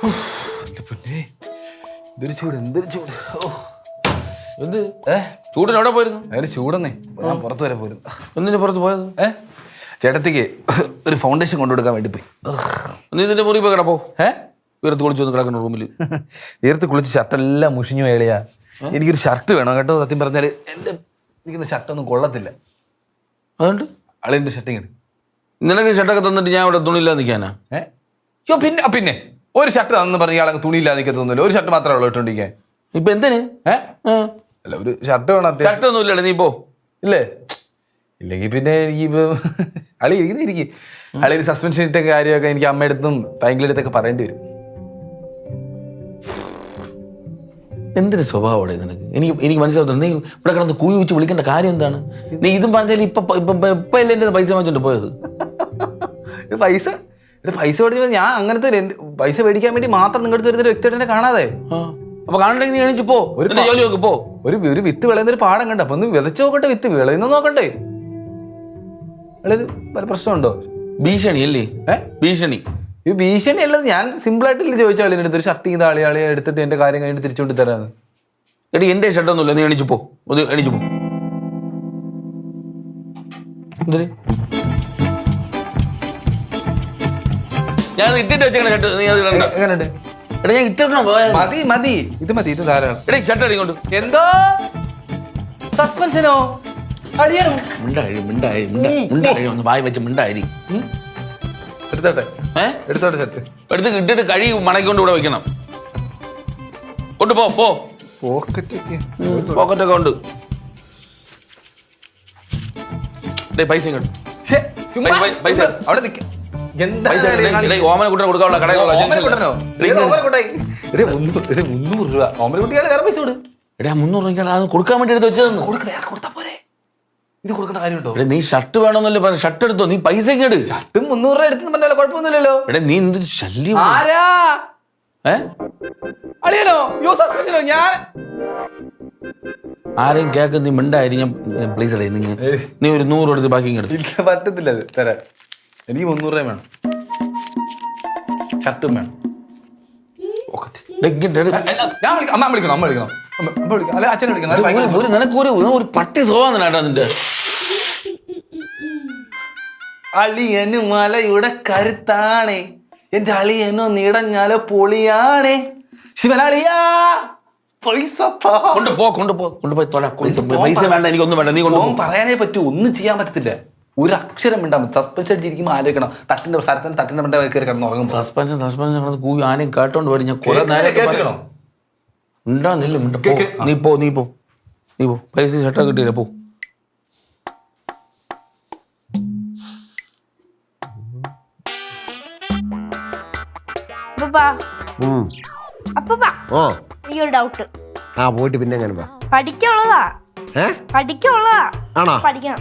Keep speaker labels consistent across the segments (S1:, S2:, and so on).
S1: എന്തൊരു ചൂട്, എന്തൊരു ചൂട്.
S2: എന്ത് ചൂടിന് എവിടെ പോയിരുന്നു?
S1: അതിന് ചൂടെന്നേ, ഞാൻ പുറത്ത് വരെ പോയിരുന്നു.
S2: എന്തിനു പുറത്ത് പോയത്?
S1: ചേട്ടത്തിക്ക് ഒരു ഫൗണ്ടേഷൻ കൊണ്ടുകൊടുക്കാൻ വേണ്ടി പോയി.
S2: നീ ഇതിന്റെ മുറി പോയി കിടപ്പോ. ഉയർത്ത് കുളിച്ചു വന്ന് കിടക്കുന്ന റൂമിൽ
S1: ഉയർത്ത് കുളിച്ച് ഷർട്ടെല്ലാം മുഷിഞ്ഞു ഏളിയാ. എനിക്കൊരു ഷർട്ട് വേണം കേട്ടോ. സത്യം പറഞ്ഞാൽ എൻ്റെ എനിക്കുന്ന ഷർട്ടൊന്നും കൊള്ളത്തില്ല.
S2: അതുകൊണ്ട്
S1: അളിൻ്റെ ഷർട്ടിങ് ഇട്.
S2: നിനക്ക് ഷർട്ടൊക്കെ തന്നിട്ട് ഞാൻ ഇവിടെ തുണിയില്ലാതെ നിൽക്കാനാ?
S1: പിന്നെ ഒരു ഷർട്ട് തന്നു പറഞ്ഞ ഇയാളെ തുണിയില്ലാതെ നിൽക്കത്തൊന്നുമില്ല. ഒരു ഷർട്ട് മാത്രമേ ഉള്ളൂ ഇട്ടോണ്ടിരിക്കാൻ.
S2: ഇപ്പൊ എന്തിന്?
S1: അല്ല, ഒരു ഷർട്ട് വേണം.
S2: ഷർട്ട് ഒന്നും ഇല്ലല്ലേ നീ പോ.
S1: ഇല്ലേ? ഇല്ലെങ്കിൽ പിന്നെ എനിക്ക് അളി ഇരിക്കും. അളിയിൽ സസ്പെൻഷൻ ഇട്ട കാര്യമൊക്കെ എനിക്ക് അമ്മയടുത്തും ഭയങ്കര അടുത്തൊക്കെ പറയേണ്ടി വരും.
S2: എന്തൊരു സ്വഭാവമാണ് നിനക്ക്? എനിക്ക് മനസ്സിലാവുന്നു. നീ ഇവിടെ കിടന്ന് കൂവി വെച്ച് വിളിക്കേണ്ട കാര്യം എന്താണ്? നീ ഇതും പറഞ്ഞാൽ ഇപ്പൊ അല്ലേ എന്റെ പൈസ വാങ്ങിച്ചോണ്ട് പോയത്?
S1: പൈസ മേടിച്ചപ്പോ ഞാൻ അങ്ങനത്തെ പൈസ മേടിക്കാൻ വേണ്ടി മാത്രം നിങ്ങളുടെ വരുന്ന ഒരു വ്യക്തിയായിട്ട് എന്നെ കാണാതെ.
S2: അപ്പൊ കാണണ്ടെങ്കിൽ നീ എണീച്ചു പോ, ജോലി നോക്ക് പോ.
S1: ഒരു വിത്ത് വിളയുന്ന ഒരു പാടം കണ്ട അപ്പൊ ഒന്ന് വിതച്ചു നോക്കട്ടെ. വിത്ത് വിളയുന്ന നോക്കട്ടെ. വല്ല പ്രശ്നമുണ്ടോ?
S2: ഭീഷണി അല്ലേ? ഭീഷണി.
S1: ഈ ഭീഷണി അല്ലത്. ഞാൻ സിമ്പിൾ ആയിട്ടില്ല ചോദിച്ചാൽ അളിയുടെ അടുത്ത് ഒരു ഷർട്ട് ചെയ്ത ആളിയാളെ എടുത്തിട്ട് എന്റെ കാര്യം കഴിഞ്ഞിട്ട് തിരിച്ചുകൊണ്ട് തരാന്ന്.
S2: എടി എന്റെ ഷർട്ടൊന്നുമില്ല, നീ എണീച്ചു പോ. എണീച്ചു പോ. എന്തിന്? ഞാൻ ഇട്ടിട്ട് വെച്ചേക്കണ ഷർട്ട് നീ അത് ഇടണ്ട.
S1: എങ്ങനെയുണ്ട്?
S2: എടാ ഞാൻ ഇട്ടിട്ടോ.
S1: മതി ഇത് ധാരാളം.
S2: എടേ ഷർട്ട് അടിക്കൊണ്ട്.
S1: എന്തോ സസ്പെൻഷനോ?
S2: മിണ്ടായി ഒന്ന് വായി വെച്ച് മിണ്ടായി.
S1: എടുത്തോട്ടെ ഷർട്ട്
S2: എടുത്ത് ഇട്ടിട്ട് കഴി മണക്കൊണ്ട് ഇവിടെ വെക്കണം. കൊണ്ടുപോ. പോക്കറ്റൊക്കെ ഉണ്ട്. പൈസ ഇങ്ങോട്ട്. ഓമന കുട്ടനെ കൊടുക്കാനുള്ള കടയിലുള്ള
S1: 300 രൂപ. ഓമനക്കുട്ടിയാണ് വേറെ പൈസ കൊടു.
S2: എടാ 300 രൂപ അത് കൊടുക്കാൻ വേണ്ടി എടുത്ത് വെച്ചതെന്ന്.
S1: കൊടുത്താ പോരെ. ഇത് കൊടുക്കേണ്ട കാര്യമുണ്ടോ?
S2: നീ ഷർട്ട് വേണമെന്നല്ലേ പറഞ്ഞ? ഷർട്ട് എടുത്തോ. നീ പൈസ ഇങ്ങോട്ട്.
S1: ഷർട്ടും 300 രൂപ എടുത്തെന്ന് പറഞ്ഞാലോ കുഴപ്പമൊന്നുമില്ലല്ലോ.
S2: എടാ നീ എന്ത് ശല്യം.
S1: ആരാ? അളിയനോ? സസ്പെൻഷനോ? ഞാൻ
S2: ആരെയും കേൾക്കുന്ന നീ മിണ്ടായി. ഞാൻ പ്ലീസ് അടേ നീ ഒരു 100 എടുത്ത് ബാക്കി ഇങ്ങോട്ട്.
S1: ഇല്ല, പറ്റത്തില്ല. അത് തരാം. എനിക്ക് 300 രൂപ വേണം. ഷർട്ടും വേണം. അമ്മ വിളിക്കണം. അല്ലെ അച്ഛനെ വിളിക്കണം.
S2: നിനക്ക് ഒരു പട്ടി സ്വഭാവം നിന്റെ.
S1: അളിയന് മലയുടെ കരുത്താണേ. എന്റെ അളിയനോ നീടഞ്ഞാലോ പൊളിയാണേ. ശിവനാളിയാ പൈസ
S2: കൊണ്ടുപോയി തൊല. പൈസ വേണ്ട, എനിക്കൊന്നും വേണ്ട. നീ കൊണ്ടുപോകും.
S1: പറയാനേ പറ്റൂ. ഒന്നും ചെയ്യാൻ പറ്റത്തില്ല. ഒരു അക്ഷരം ഉണ്ടാവും. സസ്പെൻഷൻ അടിച്ചിരിക്കുമ്പോൾ ആലോചിക്കണം. തട്ടിന്റെ മണ്ട കയറി കിടന്ന് ഉറങ്ങും.
S2: സസ്പെൻഷൻ കൂവി ആനയും കേട്ടോണ്ട് വരും. ഞാൻ കുറെ നേരം
S1: കേൾക്കണം.
S2: നീ പോ. പൈസ ഷർട്ടൊക്കെ കിട്ടിയില്ല. പോ.
S3: എനിക്കൊരു ഡൗട്ട്.
S4: പോയിട്ട് പിന്നെ
S3: പഠിക്കാനുള്ളതാ. പഠിക്കണം.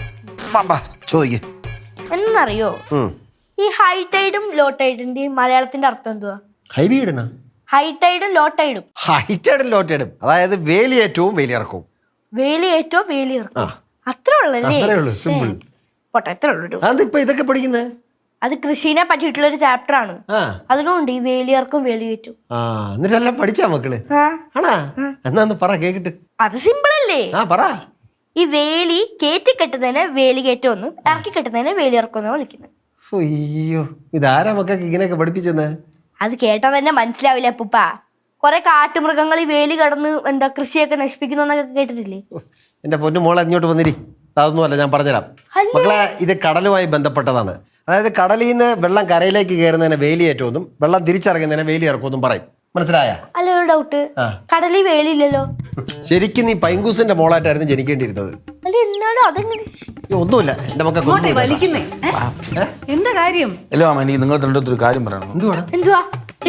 S3: എന്നറിയോ ഈ ഹൈ ടൈഡും ലോ ടൈഡിന്റെയും മലയാളത്തിന്റെ അർത്ഥം എന്തുവാ? ഹൈ ടൈഡും ലോ ടൈഡും.
S4: അതായത് വേലിയേറ്റവും വേലിയിറക്കവും.
S3: വേലിയേറ്റവും വേലിയിറക്കവും. അത്രേ ഉള്ളല്ലേ? പോട്ടെ, എത്ര ഉള്ളൂ.
S4: ഇതൊക്കെ പഠിക്കുന്നേ
S3: അത് കൃഷിനെ പറ്റിയിട്ടുള്ള ഒരു ചാപ്റ്റർ ആണ്. അതിലുണ്ട് ഈ വേലിയർക്കും വേലിയേറ്റും.
S4: എന്നിട്ടെല്ലാം പഠിച്ചാ മക്കള്? ആണാ? എന്നാ പറ കേക്കട്ടെ.
S3: അത് സിമ്പിൾ അല്ലേ?
S4: പറ.
S3: ഈ വേലി കയറ്റി കെട്ടുന്നതിനെ വേലികേറ്റം എന്നും ഇറക്കി കെട്ടുന്നതിനെ വേലിയിറക്കം എന്നാ വിളിക്കുന്നത്.
S4: അയ്യോ, ഇതാരാ മക്കൾക്ക് ഇങ്ങനെയൊക്കെ പഠിപ്പിച്ചെന്ന്?
S3: അത് കേട്ടാ തന്നെ മനസ്സിലാവില്ല അപ്പൂപ്പ. കുറെ കാട്ടുമൃഗങ്ങൾ ഈ വേലി കടന്ന് കൃഷിയൊക്കെ നശിപ്പിക്കുന്നു എന്നൊക്കെ കേട്ടിട്ടില്ലേ?
S4: എന്റെ പൊന്നു മോളെ ഇങ്ങോട്ട് വന്നിരി. അതൊന്നുമല്ല, ഞാൻ പറഞ്ഞുതരാം മക്കളെ. ഇത് കടലുമായി ബന്ധപ്പെട്ടതാണ്. അതായത് കടലിൽ നിന്ന് വെള്ളം കരയിലേക്ക് കയറുന്നതിനെ വേലിയേറ്റവും വെള്ളം തിരിച്ചിറങ്ങുന്നതിനെ വേലിയിറക്കുമെന്നും പറയും. മനസ്സിലായ?
S3: അല്ല, ഒരു ഡൗട്ട്. കടലിൽ വേലിയില്ലല്ലോ.
S4: ശരിക്കും നീ പൈങ്കൂസിന്റെ മോളായിട്ടായിരുന്നു ജനിക്കേണ്ടിയിരുന്നത്. ഒന്നുമില്ല, എന്റെ മക്കൾ
S5: എന്താ കാര്യം?
S2: അല്ല മാമ, എനിക്ക് നിങ്ങൾ രണ്ടൊരു കാര്യം പറയണം.
S3: എന്തുവാ?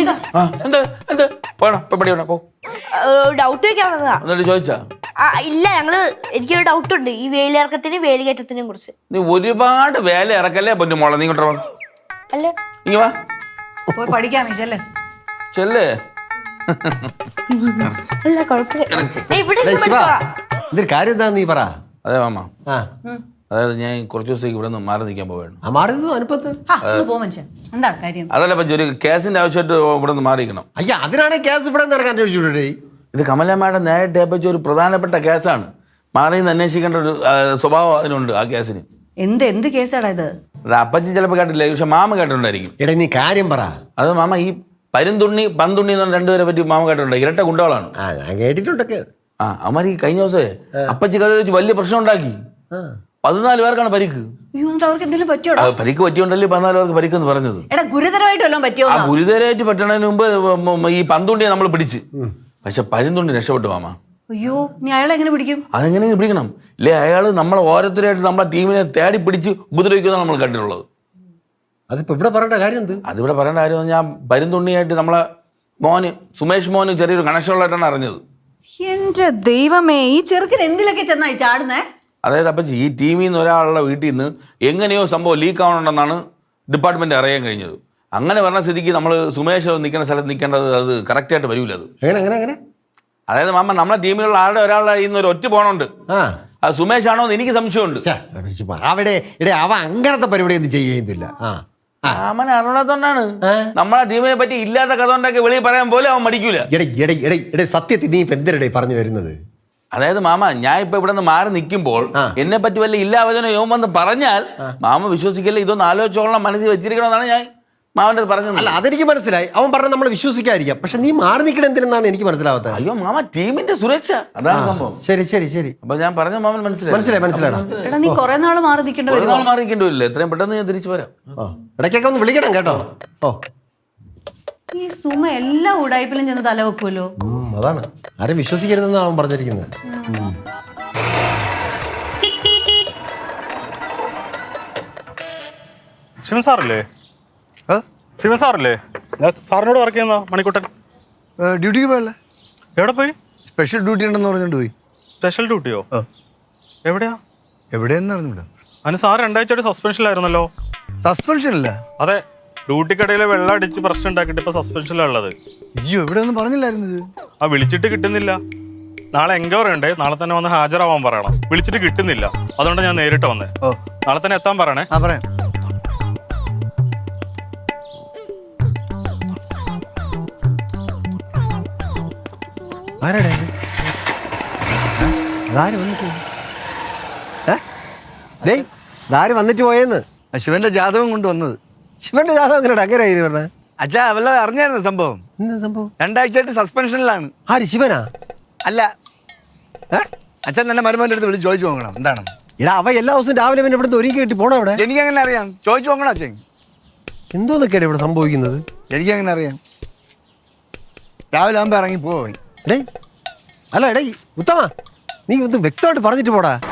S3: ഡൗട്ട് വെക്കാവുന്നതാ.
S2: ചോദിച്ചാ?
S3: ഇല്ല, എനിക്കൊരു ഡൗട്ട് ഉണ്ട് ഈ വേലിയിറക്കത്തിനും വേലികേറ്റത്തിനെയും കുറിച്ച്.
S2: നീ ഒരുപാട് വേല ഇറക്കല്ലേ പൊന്നു മോളെ. നീ ഇങ്ങോട്ട്
S3: അല്ല
S2: ഇങ്ങ വാ.
S5: പോയി പഠിക്കാമേ.
S2: ചെല്ലേ.
S3: അല്ല കുഴപ്പമില്ല.
S4: ഇതൊരു കാര്യം എന്താ നീ പറ.
S2: അതെ മാമ, അതായത് ഞാൻ കുറച്ച് ദിവസത്തേക്ക് ഇവിടെ നിന്ന് മാറി നിൽക്കാൻ പോവുകയാണ്.
S4: ആ മാറിയത് അനുപ്പത്ത്.
S5: ആ, ഒന്ന് പോ മനുഷ്യൻ. എന്താണ് കാര്യം?
S2: അതല്ല പറ്റി ഒരു കേസിന്റെ ആവശ്യമായിട്ട് ഇവിടെ നിന്ന് മാറിയിരിക്കണം.
S4: അയ്യ അതിനാണ് ഗ്യാസ് ഇവിടെ നടക്കാൻ ചോദിച്ചുകൂടെ?
S2: ഇത് കമലമ്മയുടെ നേരിട്ട് പറ്റി ഒരു പ്രധാനപ്പെട്ട കേസാണ്. മാറി നിന്ന് അന്വേഷിക്കേണ്ട ഒരു സ്വഭാവം അതിനുണ്ട് ആ കേസിന്.
S5: എന്ത് കേസാടാ ഇത്?
S2: അത് അപ്പച്ചി ചിലപ്പോൾ കേട്ടില്ല, പക്ഷെ മാമ കേട്ടിട്ടുണ്ടായിരിക്കും.
S4: എടാ നീ കാര്യം പറ.
S2: അത് മാമ ഈ പരുന്തുണ്ണി പന്തുണ്ണി എന്ന് പറഞ്ഞ രണ്ടുപേരെ പറ്റി മാമ കേട്ടിട്ടുണ്ട്. ഇരട്ട ഗുണ്ടകളാണ്.
S4: ആ ഞാൻ കേട്ടിട്ടുണ്ടൊക്കെ.
S2: ആ അവന്മാർ ഈ കഴിഞ്ഞ ദിവസമേ അപ്പച്ചി കഥ വെച്ച് വലിയ പ്രശ്നം ഉണ്ടാക്കി. 14 പേർക്കാണ് പരിക്ക്.
S5: അയ്യോ, എന്നിട്ട് അവർക്ക് എന്തെങ്കിലും പറ്റിയോടാ?
S2: പരിക്ക് പറ്റിയോണ്ടല്ലേ 14 പേർക്ക് പരിക്കെന്ന് പറഞ്ഞത്.
S5: എടാ ഗുരുതരമായിട്ട് വല്ലതും പറ്റിയോ?
S2: ആ ഗുരുതരമായിട്ട് പറ്റണതിന് മുമ്പ് ഈ പന്തുണ്ടിയെ നമ്മൾ പിടിച്ച്, പക്ഷെ പരുന്തുണ്ടി രക്ഷപ്പെട്ടു മാമ.
S5: അയ്യോ, നീ അയാളെ എങ്ങനെ പിടിക്കും?
S2: അതെങ്ങനെ പിടിക്കണം? ഇല്ലേ അയാൾ നമ്മളെ ഓരോരുത്തരായിട്ട് നമ്മളെ ടീമിനെ തേടി പിടിച്ച് ഉപദ്രവിക്കുന്നതാണ് നമ്മൾ കണ്ടിട്ടുള്ളത്.
S4: അതിപ്പോ ഇവിടെ പറയേണ്ട കാര്യം എന്ത്?
S2: അതിവിടെ പറയേണ്ട കാര്യം ഞാൻ പരുന്തുണ്ണിയായിട്ട് നമ്മളെ സുമേഷ് മോന് ചെറിയൊരു കണക്ഷൻ ഉള്ളതായിട്ടാണ് അറിഞ്ഞത്.
S5: എന്റെ ദൈവമേ, ഈ ചെറുക്കൻ എന്തിലൊക്കെ ചെന്നായി ചാടുന്നേ?
S2: അതായത് അപ്പച്ചി ഈ ടീമിൽ നിന്ന് ഒരാളുടെ വീട്ടിൽ നിന്ന് എങ്ങനെയോ സംഭവം ലീക്ക് ആവണമെന്നാണ് ഡിപ്പാർട്ട്മെന്റ് അറിയാൻ കഴിഞ്ഞത്. അങ്ങനെ പറഞ്ഞ സ്ഥിതിക്ക് നമ്മൾ സുമേഷ് നിൽക്കുന്ന സ്ഥലത്ത് നിൽക്കേണ്ടത് അത് കറക്റ്റായിട്ട് വരില്ല. അത്
S4: എങ്ങനെ
S2: അതായത് മാമ നമ്മളെ ടീമിലുള്ള ഒരാളുടെ ഇന്ന് ഒരു ഒറ്റ പോണുണ്ട്. അത് സുമേഷ് ആണോ എന്ന് എനിക്ക് സംശയമുണ്ട്.
S4: അവിടെ അവ അങ്ങനത്തെ പരിപാടി ഒന്നും ചെയ്യുന്നില്ല.
S2: അവൻ അറിയാത്തോണ്ടാണ്. നമ്മളെ ടീമിനെ പറ്റി ഇല്ലാത്ത കഥ ഉണ്ടാക്കി വെളിയിൽ പറയാൻ പോലും അവൻ മടിക്കൂല.
S4: സത്യത്തിൽ നീ ഇപ്പൊ എന്തിനടേ പറഞ്ഞു വരുന്നത്?
S2: അതായത് മാമ ഞാൻ ഇപ്പൊ ഇവിടെ നിന്ന് മാറി നിൽക്കുമ്പോൾ എന്നെ പറ്റി വല്ല ഇല്ലാവചനോ യോം വന്ന് പറഞ്ഞാൽ മാമ വിശ്വസിക്കല്ലേ, ഇതൊന്ന് ആലോചിച്ചോളാം മനസ്സിൽ വെച്ചിരിക്കണമെന്നാണ് ഞാൻ മാമന്റെ പറഞ്ഞത്.
S4: അല്ല അതെനിക്ക് മനസ്സിലായി, അവൻ പറഞ്ഞ നമ്മൾ വിശ്വസിക്കാതിരിക്കാം. പക്ഷെ നീ മാറി നിൽക്കണം എന്തിനാണ് എനിക്ക് മനസ്സിലാവാത്തത്.
S2: അയ്യോ മാമ ടീമിന്റെ സുരക്ഷ അതാണ് സംഭവം.
S4: ശരി
S2: അപ്പൊ ഞാൻ പറഞ്ഞ മാമൻ മനസ്സിലായി.
S5: എടാ നീ കുറെ നാള് മാറി നിൽക്കേണ്ടി വരും.
S2: മാറി നിൽക്കേണ്ടി വരില്ല, എത്രയും പെട്ടെന്ന് ഞാൻ തിരിച്ചു വരാം.
S4: ഇടയ്ക്കൊക്കെ ഒന്ന് വിളിക്കണം കേട്ടോ.
S5: ഈ സുമ എല്ലാ ഉടായ്പിലും ചെന്ന് തല വെക്കുമല്ലോ.
S4: അതാണ് ആരും വിശ്വസിക്കരുതെന്നാണ് അവൻ പറഞ്ഞിരിക്കുന്നത്.
S6: ശിവൻ സാറല്ലേ? ശിവൻ സാറല്ലേ? ഞാൻ സാറിനോട് വർക്ക് ചെയ്യുന്ന മണിക്കുട്ടൻ.
S7: ഡ്യൂട്ടിക്ക് പോയല്ലേ?
S6: എവിടെ പോയി?
S7: സ്പെഷ്യൽ ഡ്യൂട്ടി ഉണ്ടെന്ന് പറഞ്ഞിട്ട് പോയി.
S6: സ്പെഷ്യൽ ഡ്യൂട്ടിയോ? എവിടെയാ?
S7: എവിടെയെന്ന് അറിഞ്ഞൂടാ.
S6: അതിന് സാർ 2 ആഴ്ചയായിട്ട് സസ്പെൻഷനിലായിരുന്നല്ലോ.
S7: സസ്പെൻഷൻ ഇല്ല?
S6: അതെ, ഡ്യൂട്ടിക്കിടയിൽ വെള്ളം അടിച്ച് പ്രശ്നം ഉണ്ടാക്കിയിട്ട് ഇപ്പൊ സസ്പെൻഷനിലാണ് ഉള്ളത്.
S7: അയ്യോ ഇവിടെ ഒന്നും പറഞ്ഞില്ലായിരുന്നത്.
S6: വിളിച്ചിട്ട് കിട്ടുന്നില്ല. നാളെ എൻക്വയറി ഉണ്ട്, നാളെ തന്നെ വന്ന് ഹാജരാവാൻ പറയണം. വിളിച്ചിട്ട് കിട്ടുന്നില്ല, അതുകൊണ്ട് ഞാൻ നേരിട്ട് വന്നേ. നാളെ തന്നെ എത്താൻ പറയണേ.
S7: പറയാം.
S4: വന്നിട്ട് പോയെന്ന്
S7: ശിവന്റെ ജാതകം കൊണ്ടുവന്നത്.
S4: ശിവന്റെ ജാതകം എങ്ങനെ അങ്ങനെ പറഞ്ഞ?
S7: അച്ഛാ വല്ലതും അറിഞ്ഞായിരുന്നു സംഭവം?
S4: സംഭവം
S7: 2 ആഴ്ചയായിട്ട് സസ്പെൻഷനിലാണ്.
S4: ആര്? ശിവനാ?
S7: അല്ല, അച്ഛൻ തന്നെ മരുമോന്റെ അടുത്ത് വിളിച്ച് ചോദിച്ചു നോക്കണം എന്താണ്.
S4: എടാ അവ എല്ലാ ദിവസവും രാവിലെ പിന്നെ ഇവിടുത്തെ ഒരുക്കി കെട്ടി പോണോ? അവിടെ
S7: എനിക്കെങ്ങനെ അറിയാം? ചോദിച്ചു നോക്കണം അച്ഛൻ.
S4: എന്തോന്നൊക്കെയാണ് ഇവിടെ സംഭവിക്കുന്നത്?
S7: എനിക്കെങ്ങനെ അറിയാം? രാവിലെ ആകുമ്പോ ഇറങ്ങി പോയി.
S4: അല്ല ഉത്തമ, നീ ഇത് വ്യക്തമായിട്ട് പറഞ്ഞിട്ട് പോടാ.